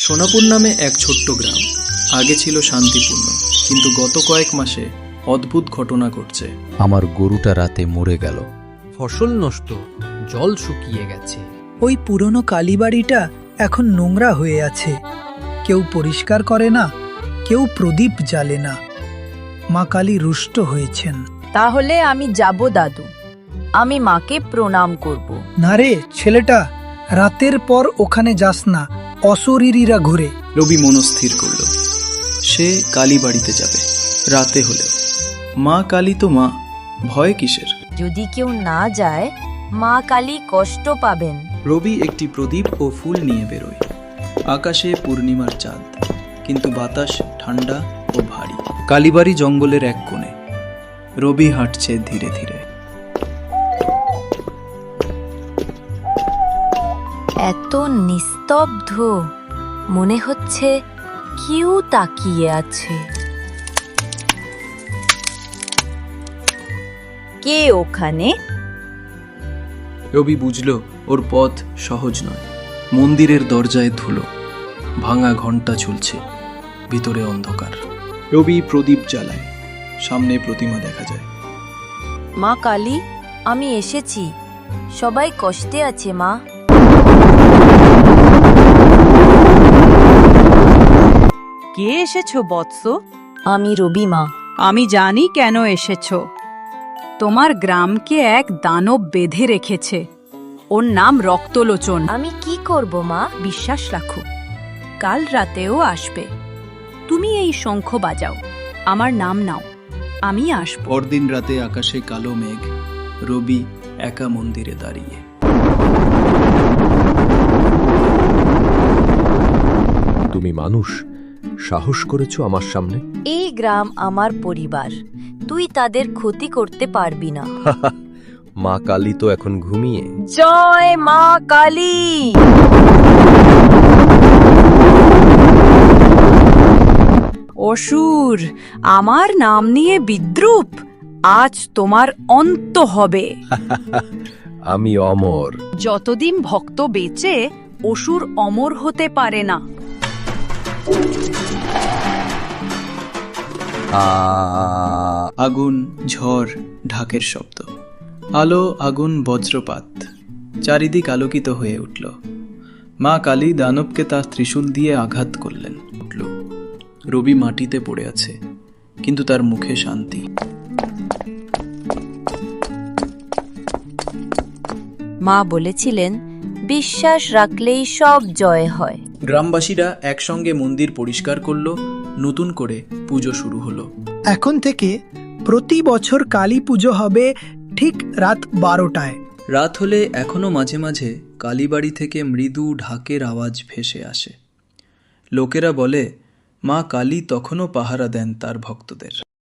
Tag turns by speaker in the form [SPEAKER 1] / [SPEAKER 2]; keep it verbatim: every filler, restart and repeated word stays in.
[SPEAKER 1] সোনাপুর নামে এক ছোট্ট গ্রাম আগে ছিল শান্তিপূর্ণ, কিন্তু গত কয়েক মাসে অদ্ভুত ঘটনা ঘটছে।
[SPEAKER 2] আমার গরুটা রাতে মরে গেল।
[SPEAKER 3] ফসল নষ্ট, জল শুকিয়ে গেছে।
[SPEAKER 4] ওই পুরনো কালীবাড়িটা এখন নোংরা হয়ে আছে, কেউ পরিষ্কার করে না, কেউ প্রদীপ জ্বালে না। মা কালী রুষ্ট হয়েছেন।
[SPEAKER 5] তাহলে আমি যাব দাদু, আমি মাকে প্রণাম করব।
[SPEAKER 4] না রে ছেলেটা, রাতের পর ওখানে যাস না, অশরীরীরা ঘুরে।
[SPEAKER 1] রবি মনস্থির করল সে কালী বাড়িতে যাবে, রাতে হলেও। মা কালী তো মা, ভয় কিসের?
[SPEAKER 5] যদি কেউ না যায় মা কালী কষ্ট পাবেন।
[SPEAKER 1] রবি একটি প্রদীপ ও ফুল নিয়ে বেরোয়। আকাশে পূর্ণিমার চাঁদ, কিন্তু বাতাস ঠান্ডা ও ভারী। কালীবাড়ি জঙ্গলের এক কোণে। রবি হাঁটছে ধীরে ধীরে।
[SPEAKER 5] এত নিস্তব্ধ, মনে হচ্ছে কেউ তাকিয়ে আছে। কে ওখানে?
[SPEAKER 1] রবি বুঝল ওর পথ সহজ নয়। মন্দিরের দরজায় ধুলো, ভাঙা ঘণ্টা ঝুলছে, ভিতরে অন্ধকার। রবি প্রদীপ জ্বালায়, সামনে প্রতিমা দেখা যায়।
[SPEAKER 5] মা কালী, আমি এসেছি, সবাই কষ্টে আছে মা।
[SPEAKER 6] কে এসেছো বৎস?
[SPEAKER 5] আমি রবি মা।
[SPEAKER 6] আমি জানি কেন এসেছো। তোমার গ্রামকে এক দানব বেঁধে রেখেছে। ওর নাম রক্তলোচন।
[SPEAKER 5] আমি কি করব মা?
[SPEAKER 6] বিশ্বাস রাখো, কাল রাতেও আসবে। তুমি এই শঙ্খ বাজাও, আমার নাম নাও, আমি আসবো।
[SPEAKER 1] পরদিন রাতে আকাশে কালো মেঘ, রবি একা মন্দিরে দাঁড়িয়ে।
[SPEAKER 2] তুমি মানুষ, সাহস করেছো আমার সামনে।
[SPEAKER 5] এই গ্রাম আমার পরিবার, তুই তাদের ক্ষতি করতে পারবি না।
[SPEAKER 2] মা কালী তো এখন ঘুমিয়ে।
[SPEAKER 5] জয় মা কালী।
[SPEAKER 6] অসুর, আমার নাম নিয়ে বিদ্রূপ, আজ তোমার অন্ত হবে।
[SPEAKER 2] আমি অমর।
[SPEAKER 6] যতদিন ভক্ত বেঁচে, অসুর অমর হতে পারে না।
[SPEAKER 1] আগুন, ঝড়, ঢাকের শব্দ, আলো, আগুন, বজ্রপাত, চারিদিক আলোকিত হয়ে উঠল। মা কালী দানবকে তার ত্রিশূল দিয়ে আঘাত করলেন। উঠল। রবি মাটিতে পড়ে আছে, কিন্তু তার মুখে শান্তি।
[SPEAKER 5] মা বলেছিলেন, বিশ্বাস রাখলেই সব জয় হয়।
[SPEAKER 1] গ্রামবাসীরা একসঙ্গে মন্দির পরিষ্কার করল, নতুন করে পুজো শুরু হলো।
[SPEAKER 4] এখন থেকে প্রতি বছর কালী পুজো হবে ঠিক রাত বারোটায়।
[SPEAKER 1] রাত হলে এখনো মাঝে মাঝে কালীবাড়ি থেকে মৃদু ঢাকের আওয়াজ ভেসে আসে। লোকেরা বলে, মা কালী তখনও পাহারা দেন তার ভক্তদের।